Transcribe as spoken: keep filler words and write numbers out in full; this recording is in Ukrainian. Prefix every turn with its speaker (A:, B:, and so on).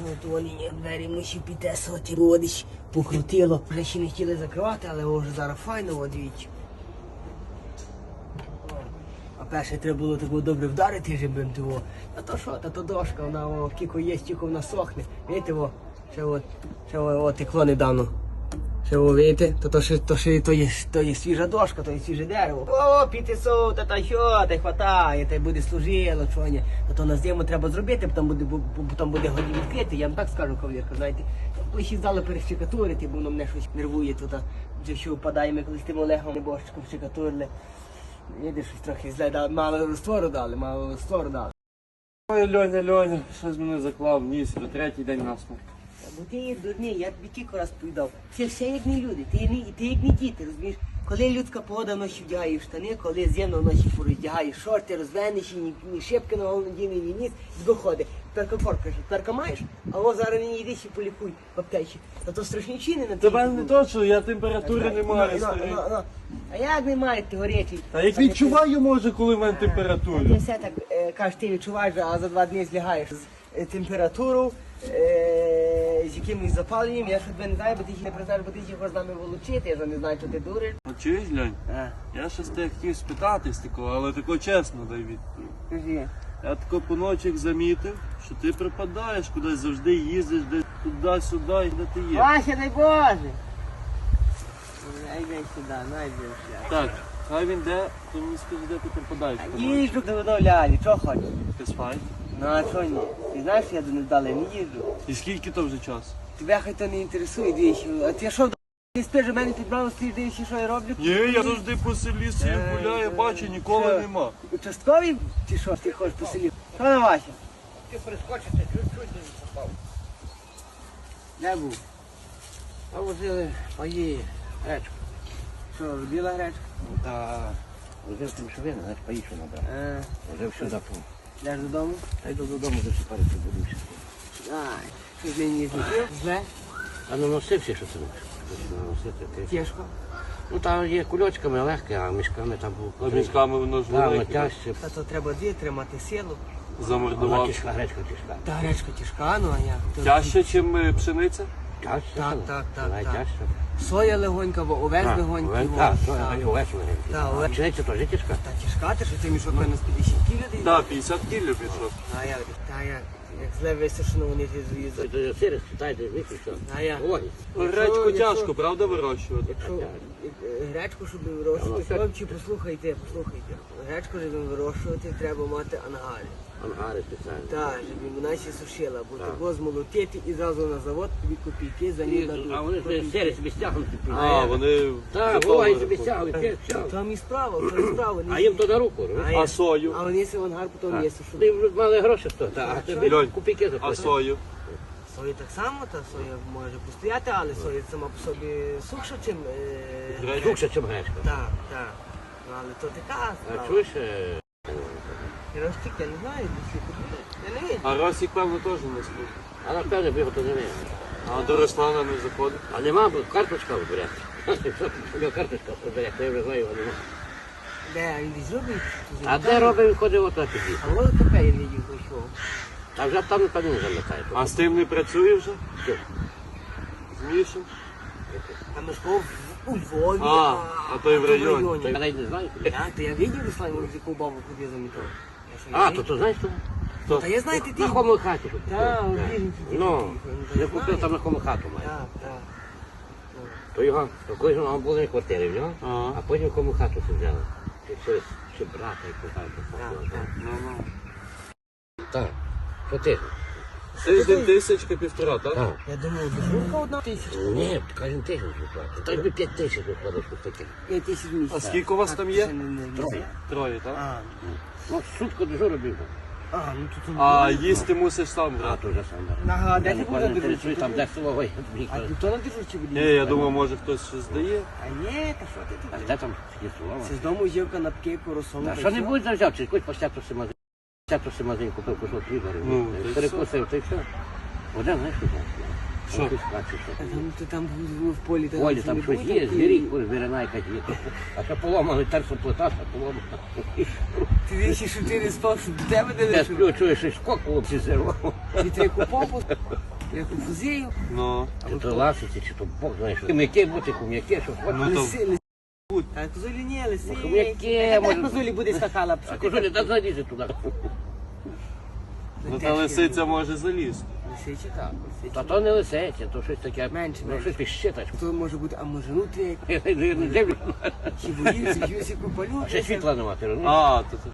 A: що от вони двері мусив підтесувати, бо десь покрутило. Вже ще не хотіли закривати, але вже зараз файно, от дивіться. А перше треба було так добре вдарити жебрем того. А то що, та то дошка, вона о, кіко є, тільки вона сохне. Видите, о, ще от, ще о, текло недавно. Ще о, видите, то, то, ще, то, ще, то, є, то є свіжа дошка, то є свіже дерево. О, піти сов, та та що, та й хватає, та й буде служило, що ні. Та то на зиму треба зробити, потім буде, потім буде годі відкрити, я вам так скажу, кавалерка, знаєте. Коли ще здали перещекатурити, бо воно мене щось нервує тут, вже що впадає, ми колись тим Олегом небожчиком щекатурили. Їде щось трохи зле, да, мало розтвору дали, мало розтвору дали.
B: Ой, Льоня, Льоня, щось мене заклав ніс, до третій день насмерть.
A: Бо ти є дурний, я тобі кілька раз повідав. Це все як не люди, ти, не, ти як не діти, розумієш? Коли людська погода ночі вдягає штани, коли зимно ночі роздягає шорти, розвеніші, ні, ні шибки на голову надійний, ні ніс, доходить. Тепер комфорт каже, тепер маєш, а о зараз не йди ще полікуй в аптечі. Та то страшні чини на
B: Тебе не то, що я температури не маю, старий.
A: А як не має, ти горячий?
B: Та як відчуваю, може, коли в мене
A: Ти
B: температура.
A: все так е, кажеш, ти відчуваєш, а за два дні злягаєш з е, температурою, е, з якимось запаленням. Я ж тебе не знаю, бо ти ще не признаєш, бо ти ще хочеш з нами волочити, я ж не знаю, що ти дуриш.
B: А чуєш, Льонь?
A: А,
B: Я щось тебе хотів спитатись такого, але тако чесно дай відповідь.
A: скажи.
B: Я тако по ночах замітив, що ти припадаєш кудись, завжди їздиш десь туди-сюди, де ти є.
A: Вася, дай Боже! Найди сюди, найди сюди.
B: Так, хай він де, то мені скажи, де ти припадаєш. по ночі.
A: Їжджу до лялі, що хочеш?
B: Ти спай.
A: Ну а що ні? Ти знаєш, що я до недавно не їжджу.
B: І скільки то вже час?
A: Тебе хай то не інтересує, двічі. А ти що, ти спиш, у мене підбрав, стоїш, дивишся, що я роблю?
B: Ні, я завжди по селі собі
A: Е,
B: гуляю,
A: е,
B: бачу, ніколи
A: що?
B: нема.
A: Участковий чи що ти хочеш по селі? Що на Вася?
C: Ти прискочити, чуть-чуть не попав.
A: Де був?
C: А возили паї гречку.
A: Що, робила гречка?
C: Та возив тим шовини, знаєш, паї що набрав.
A: Е,
C: Возив все запу.
A: йдеш додому?
C: Та йду додому, засипати будуся.
A: Ай, що ж він не злетів? Зле?
C: А наносився, що це наносити. Ти.
A: Тяжко?
C: Ну там є кульочками легке, а мішками там був.
B: А мішками воно ж
C: Там
B: велике.
C: тяжче.
A: Та то треба дві тримати силу.
C: Вона
B: Замордував.
C: тяжка, гречка тяжка.
A: Та гречка тяжка, ну а як? То-
B: Тяжче, ніж пшениця?
C: Тяжче.
A: Так, так, так, так.
C: Найтяжче.
A: Соя легонька, бо овес легонький. во.
C: Так,
A: Так.
C: так, овес
A: Так, овес.
C: легенький. Пшениця теж тяжка.
A: Та тяжка, ти що ти мішок мене з п'ятдесят кілів?
B: Так, п'ятдесят кілів пішов.
A: А як? Та як? Як зле висушено, вони ти з'їздять.
C: Це сири, читайте, вийшли, все.
A: А як?
C: Ой,
B: Гречку
A: якщо-
B: тяжко, правда, вирощувати?
A: Якщо е, гречку, щоб вирощувати,
C: Ну,
A: хлопці, послухайте, послухайте. Гречку, щоб вирощувати, треба мати ангари.
C: ангари спеціальні.
A: Так, щоб вона ще сушила, бо
C: Так.
A: того змолотити і зразу на завод тобі копійки за ній дадуть.
C: А вони ж сири собі стягнуть.
B: А, вони
C: Так,
B: готові.
C: буває собі стягують, все, все.
A: Там і справа, там і справа.
C: А їм то на руку, розумієш?
B: А сою?
A: А вони си в ангар потім
C: Так.
A: є сушили.
C: Ти вже мали гроші стоїть, а тобі
B: Льонь,
C: копійки
B: А
C: заплатять.
B: сою?
A: Соя так само, та соя може постояти, але соя сама по собі сухша, чим... Е...
B: Гречка.
C: Лучше, ніж гречка.
A: Так, так. Ну, але то така
C: А
A: справа.
C: чуєш? е,
A: Ростик, я не знаю, десь купили. Я не видів.
B: А Росік, певно, теж не слухає.
C: А напевно бігу то не вміє.
B: А до Руслана не заходить?
C: А нема, бо карточка вибере. Що карточка вибере, то я вже знаю, його нема.
A: Де, він десь робить?
C: А де робить, він ходить отак тоді.
A: А воно таке я видів, пішов.
C: А вже там напевно не замикає.
B: А з тим не працює вже?
C: Що?
B: З Мішем?
A: А ми ж був у Львові.
B: А, а то й в районі.
C: То я навіть не знаю.
A: Я, то я видів, Руслан, з яку бабу ходив замітав.
C: А, то ти знаєш, що?
B: Хто?
A: Та я знаю, ти ти.
C: На кому хаті купив.
A: Так,
C: Так.
A: у Вільниці ти
C: Ну,
A: купив.
C: я купив там на кому хату має.
A: Так, так.
C: То його, то кожного були на квартирі в нього,
B: Ага.
C: а потім кому хату це взяли. Чи щось, чи брата, як так.
A: Так, так.
B: Ну, ну.
C: Так, що ти?
B: Тиждень тисячка півтора, так?
C: Так.
A: Я думав, дежурка одна тисяча.
C: Ні, кожен тиждень виплатить. Так би п'ять тисяч виходиш по таких.
A: П'ять тисяч в місяць.
B: А скільки у вас там є?
A: Ще не- не- не-
C: Троє.
B: Троє, так?
A: А,
C: Ну, сутку дежуру біг.
A: а, ну тут...
B: А їсти мусиш сам
C: А,
B: брати?
C: то вже сам.
A: Ага, де
C: Я
A: ти
C: не
A: був на
C: пам'ятаю,
A: дежурці?
C: там де село, ой,
A: А ти хто на дежурці буде?
B: Ні, я думав, може хтось щось здає.
A: А ні, та що ти
C: А
A: тут?
C: де там є село?
A: Це з дому з'їв канапки, поросону.
C: А що не будь взяв, чи якусь посяту магазин. Посяту магазин купив кусок хліба,
B: Ну, то й
C: перекусив, то й все. Один, знаєш, що знаєш.
B: Що?
C: Щось бачиш, що
A: А
C: там.
A: там, то там в, в полі, та
C: Полі
A: що
C: там
A: не
C: щось
A: було,
C: є,
A: там
C: звіріть, куди звірина якась є. А що поломали, терсу плита, що поломали.
A: Ти вічі, що ти не спав, що до тебе не
C: Я
A: лишу.
C: сплю, чуєш, щось скок хлопці зірвав.
A: Чи треку попу, треку фузію.
B: Ну,
C: Чи то ласиці, чи то Бог знає, що. М'яке бути, кум'яке, що хочеш.
B: Ну, то-
A: Лиси, лиси. А козулі не, лиси.
C: Ну, яке,
A: Як
C: може-
A: козулі буде скакала?
C: А кожулі, та залізе туди.
B: ну та лисиця може залізти.
A: Лисичі так, лисичі.
C: Та то не лисиця, то щось таке.
A: Менше,
C: Ну,
A: менше.
C: щось ти щитач.
A: То може бути, а може нутрія,
C: Я не дивлюсь.
A: чи боїться, чи ось яку палю.
C: Ще світла нема, ти розумієш?
B: А, то